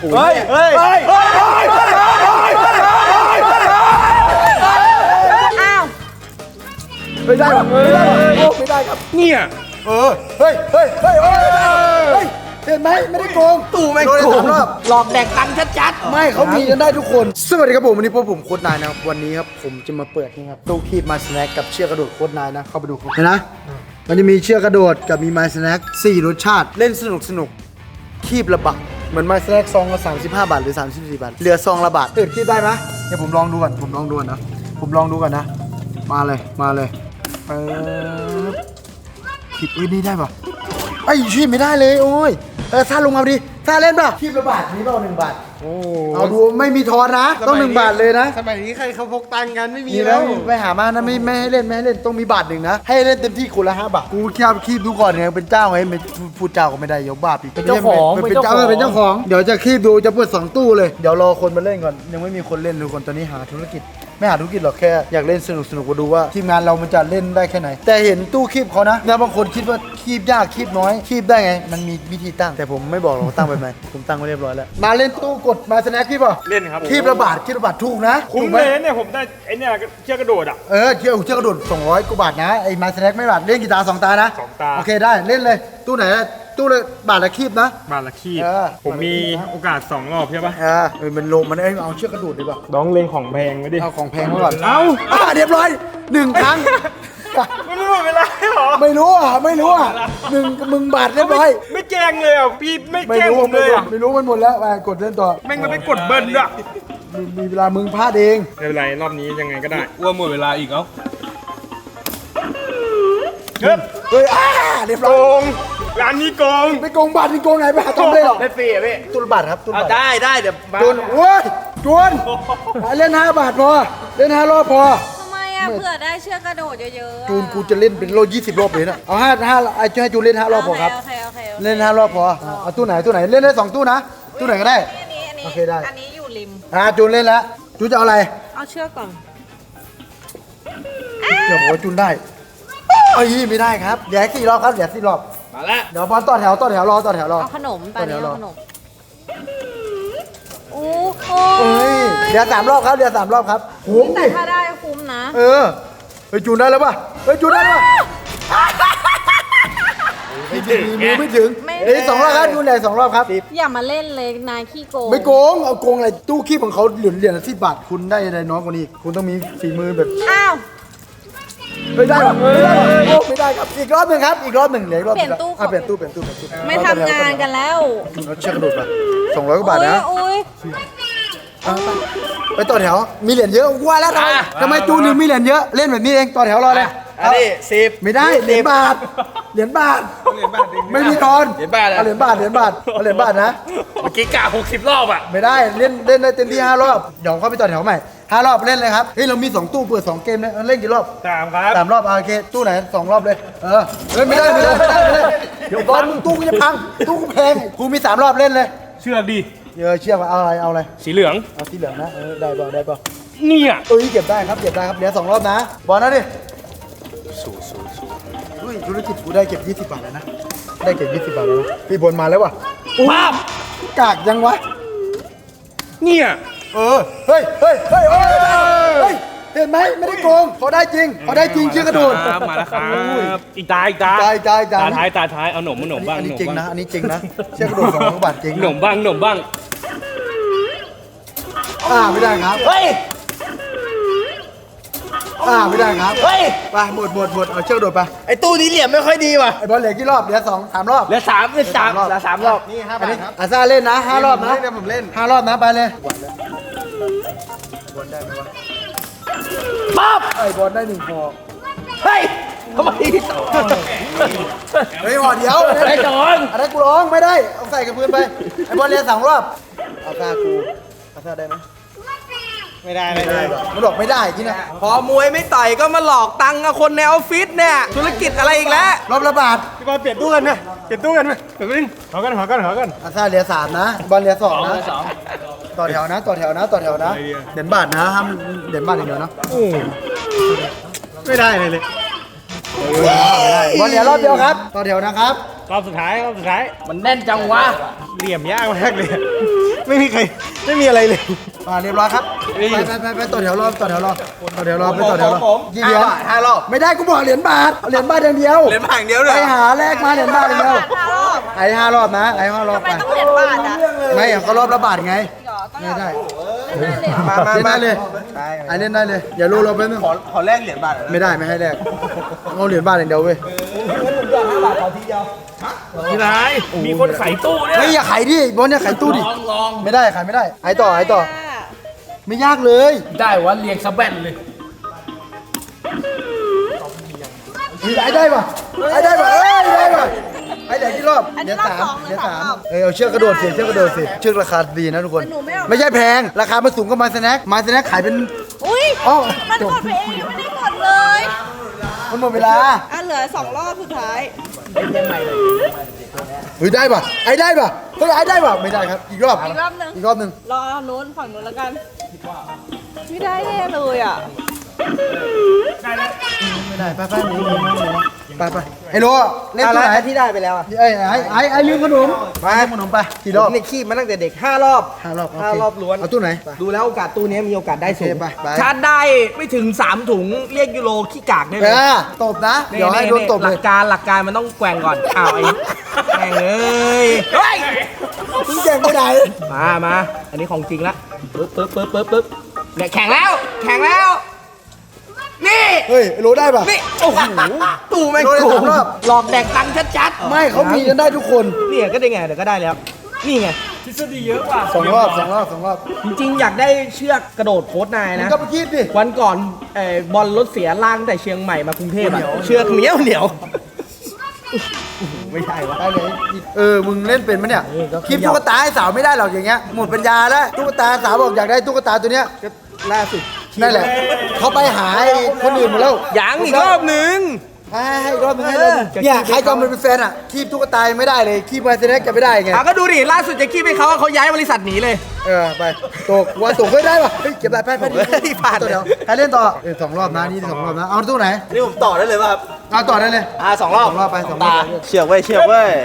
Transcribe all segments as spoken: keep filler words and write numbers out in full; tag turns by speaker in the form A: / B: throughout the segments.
A: เฮ้ยเฮ้ยเฮ้ยเฮ้ย
B: อ้าว
A: ไม่ได้หรอไม่ได้หรอโอ้ไม่ได้ครับ
C: เนี่ย
A: เออเฮ้ยเฮ้ยเฮ้ยเฮ้ยเห็นไหมไม่ได้โกงตู่ไม่โกง
B: หลอกแดกตังค์ชัด
A: ๆไม่เขามีกันได้ทุกคนสวัสดีครับผมวันนี้พวกผมโค้ดนายนะครับวันนี้ครับผมจะมาเปิดนี่ครับตู้คีบมาสแน็คกับเชือกกระโดดโค้ดนายนะเข้าไปดูเห็นนะมันจะมีเชือกกระโดดกับมีมาสแน็คสี่รสชาติเล่นสนุกสนุกคีบละบาทเหมือนมาสแน็คซองละสามสิบห้าบาทหรือสามสิบสี่บาทเหลือซองละบาทตื่นคีบได้ไหมเดี๋ยวผมลองดูก่อนผมลองดูก่อนนะผมลองดูก่อนนะมาเลยมาเลยเออคีบเอ้ยนี่ได้ป่ะไอ้คีบไม่ได้เลยโอ้ยเออท่าลงมาดิท่าเล่นป่ะคีบละบาทนี้เปล่าหนึ่งบาทเอาดูไม่มีทอนนะต้องหนึ่งบาทเลยนะ
C: สมัยนี้ใครเขาพกตังกันไม่มี
A: มี
C: แล้
A: แล้ว วไปหามานะไม่ไม่ให้เล่นไม่ให้เล่นต้องมีบาทหนึ่งนะให้เล่นเต็มที่คนละห้าบาทกูแค่คีบดูก่อนไงเป็นเจ้าไงไม่พูดเจ้าก็ไม่ได้ยกบาปอีกเป็นเจ้าของเป็นเจ้าเป็นเจ้าของเดี๋ยวจะคีบดูจะเปิดสองตู้เลยเดี๋ยวรอคนมาเล่นก่อนยังไม่มีคนเล่นทุกคนตอนนี้หาธุรกิจไม่หาธุรกิจหรอกแค่อยากเล่นสนุกสนุกมาดูว่าทีมงานเรามันจะเล่นได้แค่ไหนแต่เห็นตู้คีบเขานะแล้วบางคนคิดว่าคีบยากคีบน้อยคีบได้ไงมันมีวิธีตั้งแต่ผมไม่บอกหรอกตั้งไปไหมผมตั้งไว้เรียบร้อยแล้วมาเล่นตู้กดมาสแน็คคีบป่ะ
C: เล่นครับ
A: คีบระบาดคีบระบาดถูกนะ
C: คุ้มเลยเนี่ยผมได้ไอ้เนี่ยเชือกกระโดดอ่ะ
A: เออเที่ยวเที่ยวกระโดดสองร้อยกว่าบาทนะไอ้มาสแน็คไม่บาทเล่นกีตาร์สองตานะ
C: สองตา
A: โอเคได้เล่นเลยตู้ไหนตู้เลยบาทละคีบนะ
C: บาทละขีด
A: เออ
C: ผมมีโอกาสสองรอบใช่ปะ
A: เออเออมันโลมันเอ้ยเอาเชือกกระโดดดีกว่า
C: น้องเล็งของแพงไว้ดิ
A: เอาของแพงมาก่อน
C: เอ้า
A: อ่ะเรียบร้อยหนึ่งครั้ง
C: มันไม่หมดเวลาหรอ
A: ไม่รู้อ่ะไม่รู้อ่ะหนึ่งมึงบาทเรียบร้อย
C: ไม่แจ้งเลยอ่ะพี่ไม่
A: ไม่
C: แจ้ง
A: รู้
C: ผมเลยอ่ะ
A: ไม่รู้มันหมดแล้วไปกดเล่นต่อ
C: แม่งมันไปกดเบิ้ลด้วย
A: มีมีเวลามึงพลาดเอง
C: ไม่เป็นไรรอบนี้ยังไงก็ได้
D: ว่าหมดเวลาอีกเอ้า
C: เฮ้ย
A: เฮ้ยอ่าเรียบ
C: โก
A: ร้อย
C: งร้านนี้โกง
A: ไปโกงบาทนี่โกงไหนไปหาทำได้หรอ
D: ได้ฟรีอ่ะพี่
A: ตู้ละบาทครับตู้ละ
D: เอา
A: บาท
D: ได้ได้เดี๋ยวมา
A: จนโอ้ยจนเล่นห้าบาทพอเล่นห้ารอบพอ
B: ทำไมอ่ะเผื่อได้เชือกกระโดดเยอะๆ
A: จูนกูจะเล่นเป็นโลยี่สิบรอบเลยนะเอาห้าห้าไอ้จะให้จูนเล่นห้ารอบพอครับ
B: โอเคโอเคโอเค
A: เล่นห้ารอบพอเอาตู้ไหนตู้ไหนเล่นได้สองตู้นะตู้ไหนก็ได้
B: อันนี้อันนี้
A: โอเคได้
B: อันนี้อยู่ริม
A: อ่าจูนเล่นแล้วจูนจะเอาอะไร
B: เอาเชือกก่อน
A: เดี๋ยวผมว่าจูนได้เอ้ยไม่ได้ครับเดี๋ยวให้สี่รอบครับเดี๋ยวสี่รอบ
D: มาแล้ว
A: เดี๋ยวบอลต่อแถวต่อแถวรอต่อแถวรอ
B: เอาขนมตอนนี้
A: เดี๋ยวรอ
B: เอาขนมโอ้โห
A: เอ้ยเดี๋ยวสามรอบครับเดี๋ยวสามรอบครับคุ้ม
B: แต่
A: ดิ
B: ถ้าได้คุ้มนะ
A: เออเฮ้ยจูนได้แล้วป่ะเฮ้ยจูนได้แล้วป่ะไม่ถึงมือไม่ถึงเดี๋ยวสองรอบครับจูนใหญ่สองรอบครับ
B: อย่ามาเล่นเลยนายขี้โกง
A: ไม่โกงเอาโกงอะไรตู้คีบของเขาเหรียญเหรียญละสิบบาทคุณได้อะไรน้อยกว่านี้คุณต้องมีฝีมือแบบ
B: อ้าว
A: ไม่ได้หรอไม่ได้หรอโอ้ไม่ได้ครับอีกรอบหนึ่งครับอีกรอบหนึ่งเหลืออีกรอบห
B: เปลี่
A: นึ่
B: ยน
A: ง
B: ตู้
A: อ่ะเปลี่ยนตู้เปลี่ยนตู้เปลี่ยนตู้
B: ไม่ทำงานกันแล้ว
A: เราเชือกกระโดดป่ะสองร้อยกว่าบาทนะ
B: โอ้ย
A: ไปต่อแถวมีเหรียญเยอะว่าแล้วทำไมทำไมจูนหนึ่งมีเหรียญเยอะเล่นแบบนี้เองต่อแถวรอเลย
D: อันนี้สิบ
A: ไม่ได้เหรียญบาทเหรียญบาทไม่มีทอน
D: เหรียญบาทอะ
A: เอาเหรียญบาทเหรียญบาทเอาเหรียญบาทนะ
D: เมื่อกี้กะหกสิบรอบอ่ะ
A: ไม่ได้เล่นเล่นได้เต็มที่ห้ารอบเดี๋ยวเข้าไปต่อแถวใหม่ห้ารอบเล่นเลยครับเฮ้ยเรามีสองตู้เปิดสองเกมเลยเล่นกี่รอบ
C: สามครับ
A: สามรอบอ่ะโอเคตู้ไหนสองรอบเลยเออเล่นไม่ได้ไม่ได้ไม่ได้ไม่ได้เดี๋ยวบอลมึงตู้กูจะพังตู้กูแพงกูมีสามรอบเล่นเลย
C: เชือกดิ
A: เออเชื่อว่าเอาอะไรเอาอะไร
C: สีเหลือง
A: เอาสีเหลืองนะเออได้ป่ะได้ป่ะ
C: เนี่ย
A: เอ้ยเก็บได้ครับเก็บได้ครับเดี๋ยวสองรอบนะบอลนะดิ
C: สูสูสู
A: อุ้ยธุรกิจกูได้เก็บยี่สิบบาทแล้วนะได้เก็บยี่สิบบาทแล้วนะพี่บอลมาแล้วว่ะ
C: ภาพ
A: กากยังวะ
C: เนี่ย
A: เออเฮ้ยเฮ้ยเฮ้ยเฮ้ยเฮ้ยเห็นไหมไม่ได้โกงเขาได้จริงเขาได้จริงเชื่อกระโดด
D: ครับมาแล้วครับ
C: อีกตาอีกตา
A: ตายตายตาย
D: ตาท้ายตาท้ายเอาหนมมาหนมบ้าง
A: อัน
D: ห
A: นี้
D: นม
A: จริง
D: บ้าง
A: นะอันนี้จริงนะเชือกกระโดดสองร้อยบาทจริง
D: หนมบ้างหนมบ้าง
A: อ่าไม่ได้ครับ
D: เฮ้ย
A: อ่าไม่ได้ครับ
D: เฮ้ย
A: ไปหมดหมดหมดเอาเชือกกระโดดไป
D: ไอ้ตู้นี้เหลี่ยมไม่ค่อยดีว่ะ
A: ไอ้บอลเหลือกี่รอบเหลือสองสามรอบ
D: เหลือสามเหลือสามเหลือสามรอบ
A: นี่ห้าบาทครับอาซาเล่นนะห้ารอบนะผมเล่นห้ารอบนะไปเลยบอลได้ไหมวะ
D: ปั๊บ
A: ไอ้บอลได้หนึ่งพอ
D: เฮ้ยทำไมต่อ
A: เฮ้ยห่อเดียว
D: ไอ้จอน
A: อันนั้นกูร้องไม่ได้เอาใส่กับพื้นไปไอ้บอลเรียนสองรอบเอาซากูเอาซาได้ไหม
C: ไม่ได้ไม่ได้
A: มันบอกไม่ได้ที่นะ
D: พอมวยไม่ต่อยก็มาหลอกตังค์กับคนในออฟฟิศเนี่ยธุรกิจอะไรอีกแล้ว
A: รอบละบาท
C: พี่บอลเปลี่ยนตู้กันไหมเปลี่ยนตู้กันไหมเปลี่ยนตู้กันขอกันขอกันขอกัน
A: อาซาเรียสามนะบอลเรียสองนะต่อแถวนะต่อแถวนะต่อแถวนะเด่นบาทนะห้ามเด่นบาทอย่างเดียวนะ
C: โอ้ไม่ได้เลยเลย
A: บอลเหลือรอบเดียวครับต่อแถวนะครับ
C: รอบสุดท้ายรอบสุดท้าย
D: มันแน่นจังวะ
C: เหลี่ยมยากมากเลยไม่มีใครไม่มีอะไรเลย
A: อ่าเรียบร้อยครับไปไปไปไปต่อแถวรอต่อแถวรอต่อแถวรอไปต่อแถวรอ
D: ผม
A: กี่เหรียญ
D: ห้าบาทห้ารอบ
A: ไม่ได้กูบอกเหรียญบาทเอาเหรียญบาทอย่างเดียว
D: เหรียญบาทอย่างเดียวเลย
A: ไปหาแลกมาเหรียญบาทอย่างเดียวไอ้ห้ารอบนะไอ้ห้ารอบ
B: ทำไม
A: ไป
B: ต้องเหรียญบาทอ่ะ
A: ไม่เอาก็รอบละบาทไงไม่ได้
D: มามา
A: เล่น
D: มา
A: ได้เลยไอ้เล่นได้เลยอย่ารู้เราไปนึง
D: ขอขอแลกเหรียญบาทหน่อยนะ
A: ไม่ได้ไม่ให้แลกเอาเหรียญบาทอย่างเดียวเว้ย
E: ที่ไหนมีคนขายตู้เนี่ย
A: เฮ้ยอย่าขายดิบอลเนี่ยขายตู้ดิ
E: ลองลอง
A: ไม่ได้ขายไม่ได้ไอ้ต่อไอ้ต่อไม่ยากเลย
E: ได้วะเรียงสะแบนเลย
A: ไอ้ได้ป่ะไอ้ได้ป่ะเอ้ยได้ป่ะไอ้เดี๋ยวกี่รอบเดี๋ยวสามเดี๋ยวสามเออเอาเชือกกระโดดสิเชือกกระโดดสิเชือกราคาดีนะทุกคน ไม่ใช่แพงราคามันสูงกว่ามาสแน็คมาสแน็คขายเป็น
B: อุ้ย
A: อ๋อ
B: มันกดไปเองยังไม่ได้กดเลย
A: มันหมดเวลา
B: อ่ะเหลือสองรอบสุดท้าย
A: เฮ้ยได้ป่ะไอ้ได้ป่ะเฮ้ยไอ้ได้ป่ะไม่ได้ครับอีกรอบ
B: อีกรอบหนึ่ง
A: อีกรอบหนึ่ง
B: รอนู้นฝั่งนู้นแล้วกัน ไม่ได้แน่เลยอ่ะ
A: ไม่ได้ไปไปหนีหนีหนีไปไปไอ้โลเล่นตัวไหน
D: ที่ได้ไปแล้วอ่ะ
A: ไอ้ไอ้ไอ้ไอ้ลืมขนมไปขนมไปกี่รอบ
D: ผมเนี่ยขี้มาตั้งแต่เด็กห้ารอบ
A: ห้ารอบ
D: ห้ารอบล้วน
A: เอาตู้ไหน
D: ดูแล้วโอกาสตู้นี้มีโอกาสได้สู
A: โอง เคไปไป
D: ชาร์จได้ไม่ถึงสามถุงเรียกยูโรขี้กากได้
A: เอ
D: เลย
A: อตบนะเดี๋ยวให้โดนตบ
D: ห
A: เล
D: ลั
A: ย
D: กการหลักการมันต้องแกว่งก่อนอ้าวไอ้แม่งเอ้ยเฮ้ย
A: มึงแข่งไปไหน
D: มามาอันนี้ของจริงละปึ๊บปึ๊บปึ๊บปึ๊บปึ๊บเนี่ยแข่งแล้วแข่งแล้วนี่
A: เฮ้ยไอ้โลได้ป่ะ
D: นี่โอ้โหตู้แม่ง
A: โดนได้
D: โก
A: สาง มรอบ
D: หลอกแดกตังค์ชัดๆ
A: ไม่เขามีกันได้ทุกคน
D: เนี่ยก็ได้ไงเดี๋ยวก็ได้แล้ว นี่ไง
E: ทฤษฎีเยอะกว่า
A: สองรอบสองรอบสองรอบ
D: จริงๆ อยากได้เชือกกระโดดโค้ดนาย
A: มึง
D: นะ
A: ก็ไปคิดดิ
D: วันก่อนเอ่อบอลรถเสียล่างแต่เชียงใหม่มากรุงเทพอะเชือกเหนียวเหนียวไม่ใช่วะ
A: ได้เลยเออมึงเล่นเป็นไหมเนี่ย
D: เออก็
A: คลิปตุ๊กตาให้สาวไม่ได้หรอกอย่างเงี้ยหมดปัญญาแล้วตุ๊กตาสาวบอกอยากได้ตุ๊กตาตัวเนี้ย
D: ก็ล่าสุด
A: นั่นแหละเขาไปหาไอ้คนอื่นหมดแล้ว
D: ยังอีกรอบหนึ่ง
A: ให้ให้อีกรอบนึงให้เลย
D: เออ
A: เนี่ยใครจอมมันเป็นแฟนอ่ะคีบตุ๊กตายังไม่ได้เลยคีบมาเซเน็กจะไม่ได้ไง
D: อ่ะก็ดูดิล่าสุดจะคีบให้เขาเขาย้ายบริษัทหนีเลย
A: เออไปตกวันตกเฮ้ยได้ป่ะเฮ้ยเก็บได้ไปไปดิ
D: เฮ้ยผ่าน
A: ตัวเดียวใครเล่นต่อเออสองรอบนะนี่สองรอบนะเอาตู้ไหน
D: นี่ผมต่อได้เลยป่ะครับ
A: เอาต่อได้เลย
D: อ่าสองรอบ
A: สองรอบไปสองรอบไป
D: เชือกเว้ยเชือกเว้ย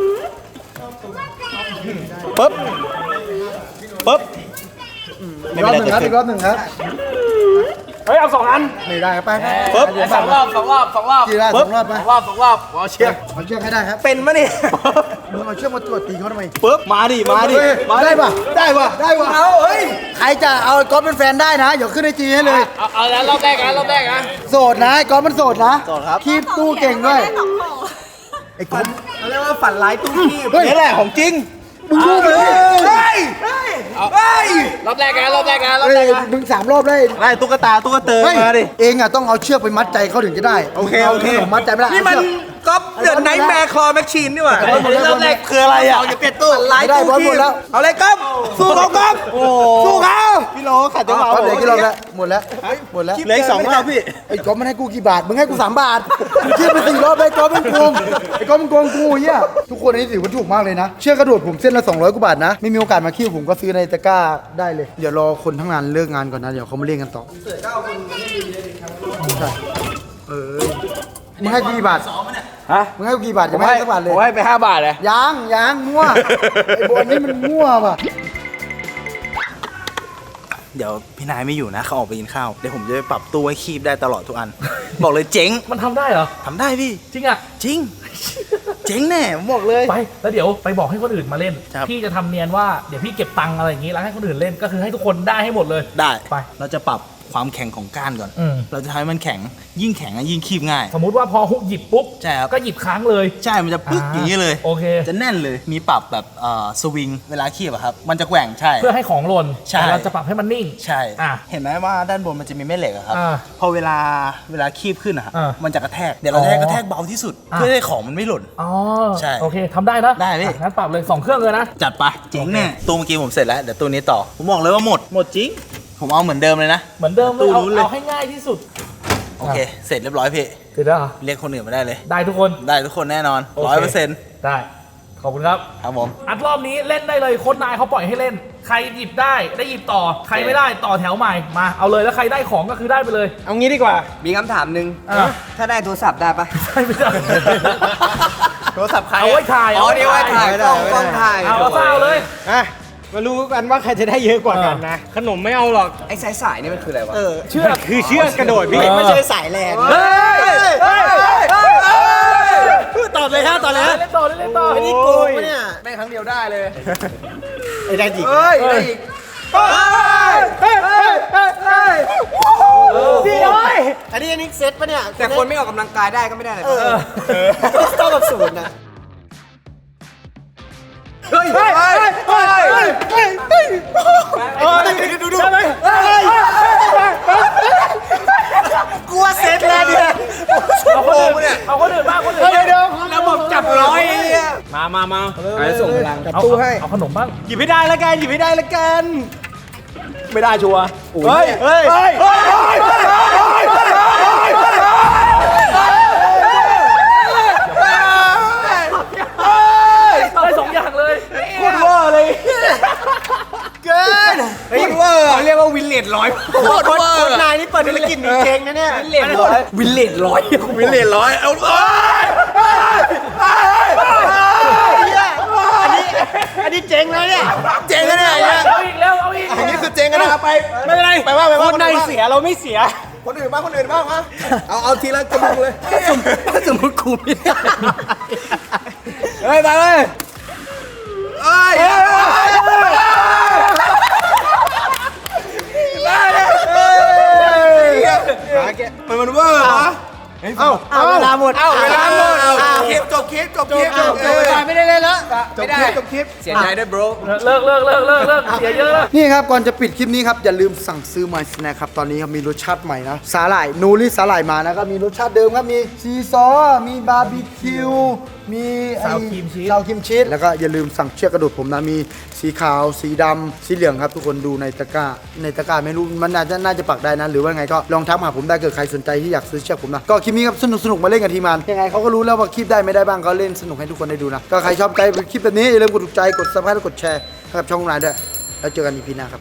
D: ปึ๊บปึ๊บ
A: อีกรอบหนึ่งครับอีกรอบหนึ่งครับ
E: เฮ้ยเอาสองอัน
A: ไม่ได้ครับไปไป
D: ปึ๊บ
A: เดี๋ยว
E: สองรอบสองรอบสองรอบ
A: กี่ได้สองรอบไป
E: สองรอบสองรอบเอาเชือก
A: เอาเชือกให้ได้ครับ
D: เป็นมะเนี่ย
A: มึงเอาเชือกมาตรวจตีเขาทำไม
D: ปึ๊บมาดิมาดิ
A: เฮ้ย
D: มาดิ
A: ได้ป่ะได้ป่ะได้ป่ะ
D: เอาเฮ้ย
A: ใครจะเอาไอ้ก๊อฟเป็นแฟนได้นะเดี๋ยวขึ้นไอจีให้เลย
E: เอาเอาแล้วรอบแรกนะรอบแรกนะ
A: โสดนะไอ้ก๊อฟมันโสดนะ
D: โสดครับ
A: คีบตู้เก่งด้วย
B: ได้สองของ
A: ไอ้ก๊อฟ
D: เขาเรียกว่าฝันร้ายตู้คีบ
A: เฮ้ย
D: นี่แหละของจริง
A: มึงรู้ไหม
D: เฮ้ยเฮ้ยเฮ้ย
E: รอบแรกนะรอบแรกนะรอบ
A: เฮ้
E: แร
A: ย
E: กนะ
A: มึงสามรอบเลย
D: ไล่ตุ๊กตาตุ๊กเตอ
A: เฮ้ย
D: มาดิ
A: เองอ่ะต้องเอาเชือกไปมัดใจเขาถึงจะได้
D: โอเคโอเค
A: าขนมมัดใจไม่ได้
D: นี่มัน
A: เอาเชือก
D: ก๊อปเดือดไนท์แมร์คลอแมชชีนนี่หว่า
A: เฮ้ย
D: รอบแรกคืออะไรอ่ะอย่าเปลี่ยนตู้ไล่
A: ไม่ได้
D: ตู้
A: บอล
D: คี
A: หมดแล้ว
D: เอาเลยก๊อปสู้เขาก๊อปสู้เขาพี่โลขัดจังหวะ
A: ก๊อฟเหลือกี่รอบแล้วหมดแล้วหมดแล้ว
D: เหลืออีกสองรอบพี่
A: ไอ้ก๊อฟมันให้กูกี่บาทมึงให้กูสามบาทมึงคิดไปสี่รอบไอ้ก๊อฟมันโกงไอ้ก๊อฟมันโกงกูเหี้ยทุกคนอันนี้ถือว่าถูกมากเลยนะเชือกกระโดดผมเส้นละสองร้อยกว่าบาทนะไม่มีโอกาสมาคิวผมก็ซื้อในตะกร้าได้เลยเดี๋ยวรอคนทั้งงานเลิกงานก่อนนะเดี๋ยวเขามาเล่นกันต่อใช่เออมึงให้กูกี่บาท
E: ฮะ
A: มึงให้กูกี่บาทจะไม่ให้สักบาทเลย
E: ผมให้ไปห้าบาทเลย
A: ยังยังมั่ว ไอ้บอลนี่มันมั่วป่ะ
F: เดี๋ยวพี่นายไม่อยู่นะเขาออกไปกินข้าวเดี๋ยวผมจะไปปรับตู้ให้คีบได้ตลอดทุกอัน บอกเลยเจ๋ง
E: มันทำได้เหรอ
F: ทำได้พี่
E: จริงอ่ะ
F: จริง เจ๋งแน่ผมบอกเลย
E: ไปแล้วเดี๋ยวไปบอกให้คนอื่นมาเล่น
F: ครับ
E: พี่จะทำเนียนว่าเดี๋ยวพี่เก็บตังค์อะไรอย่างงี้แล้วให้คนอื่นเล่นก็คือให้ทุกคนได้ให้หมดเลย
F: ได้
E: ไป
F: เราจะปรับความแข็งของก้านก่อน
E: อืม
F: เราจะทำให้มันแข็งยิ่งแข็งอะยิ่งคีบง่าย
E: สมมุติว่าพอฮุกหยิบปุ๊บ
F: ใช่ครับ
E: ก็หยิบค้างเลย
F: ใช่มันจะปึ๊กอย่างนี้เลย
E: โอเค
F: จะแน่นเลยมีปรับแบบเอ่อสวิงเวลาคีบอะครับมันจะแกว่งใช่
E: เพื่อให้ของหล่น
F: ใช่
E: แต่เราจะปรับให้มันนิ่ง
F: ใช่
E: อ่ะ
F: เห็นไหมว่าด้านบนมันจะมีแม่เหล็กอะครับ
E: อ่า
F: พอเวลาเวลาคีบขึ้นอะครับ
E: อ่า
F: มันจะกระแทกเดี๋ยวเราจะให้กระแทกเบาที่สุด
E: อ่า
F: เพื่อให้ของมันไม่หล่น
E: อ๋อ
F: ใช่
E: โอเคทำได้นะ
F: ได้พี่
E: อ่ะงั้นปรับเลยสองเครื่องเลยนะ
F: จัดไปเจ๋งแน่ตัวเมื่อกี้ผมเสร็จแล้วเดี๋ยวตัวนี้ต่อ ผมบอกเลยว่าหมด หมดจริง ผมเอาเหมือนเดิมเลยนะ
E: เหมือนเดิมเลย
F: ตู้
E: เอา
F: นู้นเลย
E: เอาให้ง่ายที่สุด
F: โอเค เสร็จเรียบร้อยพี่
E: เสร็จแล้วเหรอ
F: เรียกคนอื่นมาได้เลย
E: ได้ทุกคน
F: ได้ทุกคนแน่นอน
E: โอ
F: ร้อย
E: เค
F: เปอร์เซ็นต์
E: ได้ขอบคุณครับ
F: ครับผม
E: อัดรอบนี้เล่นได้เลยโค้ชนายเขาปล่อยให้เล่น ใครหยิบได้ได้หยิบต่อ ใครไม่ได้ต่อแถวใหม่มาเอาเลยแล้วใครได้ของก็คือได้ไปเลย
D: เอางี้ดีกว่า มีคำถามหนึ่ง
E: อ่ะ
D: ถ้าได้โทรศัพท์ได้ปะ
E: ได้ไม่ได้
D: โทรศัพท์ใคร
E: เอาไว้ถ่าย
D: อ๋อนี่ไว้ถ่ายกล้องกล้องถ่าย
E: เอาเอาเอาเลย
C: อ่ะมารู้กันว่าใครจะได้เยอะกว่ากันนะ ขนมไม่เอาหรอก
D: ไอ้สายสายนี่มันคืออะไรวะ
C: เชือกคือเชือกกระโดดพี่
A: ไม่ใช่สายแลน
C: เฮ้ยเฮ้ยตอบเลยฮะตอบเลยฮะ
E: เล่นต่อเล่นต่อ
C: ไอ้นี่โกงปะเนี่ย
D: แม่งครั้งเดียวได้เลย
C: ไอ้ได้จิก
D: เฮ้ยได้อีก
C: พี่โอ้ยอันนี้อันนี้เซตปะเนี่ย
D: แต่คนไม่ออกกำลังกายได้ก็ไม่ได้เลย
C: เท่ากับศูนย์นะ
D: เฮ้ยเฮ้ยเฮ้ยเฮ้ย
C: ดูดูกลัวเซตแล้วเนี่ย
E: เอาคนอื่นเนี่ยเอาคนอื่นบ้างคนอื่น
C: เดี๋ยวเดี๋ยวระบบจับร้อยมามามา
D: ไอ้ส่งพลัง
E: เอาตู้ให้เอาขนมบ้าง
C: หยิบให้ได้แล้วกันหยิบให้ได้แล้วกัน
E: ไม่ได้ชัวร์
C: เฮ้ยเฮ้ยเฮ้ยเฮ้ย
E: ได้สองอย่างเลย
C: โคตรเวอร์เลยเกินเฮ้ยเวอร์เขาเรียกว่าวินเลดร้อยโคตรเวอร์นายนี่เปิดธุรกิจมีเจงนะเนี่ยวินเลดร้อย
D: วินเลดร้อย
C: วินเลดร้อยเอาอันนี้อันนี้เจ๊งแล้วเนี่ยเจ๊งแล้วเนี่ย
E: เอาอีกแล้วเอาอีก
C: อันนี้คือเจ๊งกันนะครับไปไม่เป็นไรไปว่าไปว่าคนในเสียเราไม่เสียคนอื่นบ้างคนอื่นบ้างมาเอาเอาทีละกระบุงเลย
D: สมมติกูไม่ได้
C: เฮ้ยไปเลยเอ้ยมันมันเวอร์เหรอเอ้าเอาเวลาหมดเอาเวลาหมดคลิปจบคลิปจบคลิปจบคลิปไม่ได้เลยแล้วจบคลิปจบคลิป
D: เสียใจด้วย bro
E: เลิกเลิกเลิกเลิกเลิกเสียเยอะแล้ว
A: นี่ครับก่อนจะปิดคลิปนี้ครับอย่าลืมสั่งซื้อ My Snack ครับตอนนี้ครับมีรสชาติใหม่นะสาหร่ายนูริสาหร่ายมานะครับมีรสชาติเดิมครับมีซีซอสมีบาร์บีคิวมีไอ้
E: ซาวครีมชีส
A: ซาวครีมชีสแล้วก็อย่าลืมสั่งเชือกกระโดดผมนะมีสีขาวสีดำสีเหลืองครับทุกคนดูในตะกร้าในตะกร้าไม่รู้มันน่าจะน่าจะปักได้นะหรือว่าไงก็ลองทักมาหาผมได้เกิดใครสนใจที่อยากซื้อเชือกผมนะก็คลิปนี้ครับสนุกสนุกมาเล่นกับทีมงานยังไงเขาก็รู้แล้วว่าคลิปได้ไม่ได้บ้างก็เล่นสนุกให้ทุกคนได้ดูนะก็ใครชอบใจคลิปแบบนี้อย่าลืมกดถูกใจกดซับสไครต์และกดแชร์ให้กับช่องนายด้วยแล้วเจอกันอีพีหน้าครับ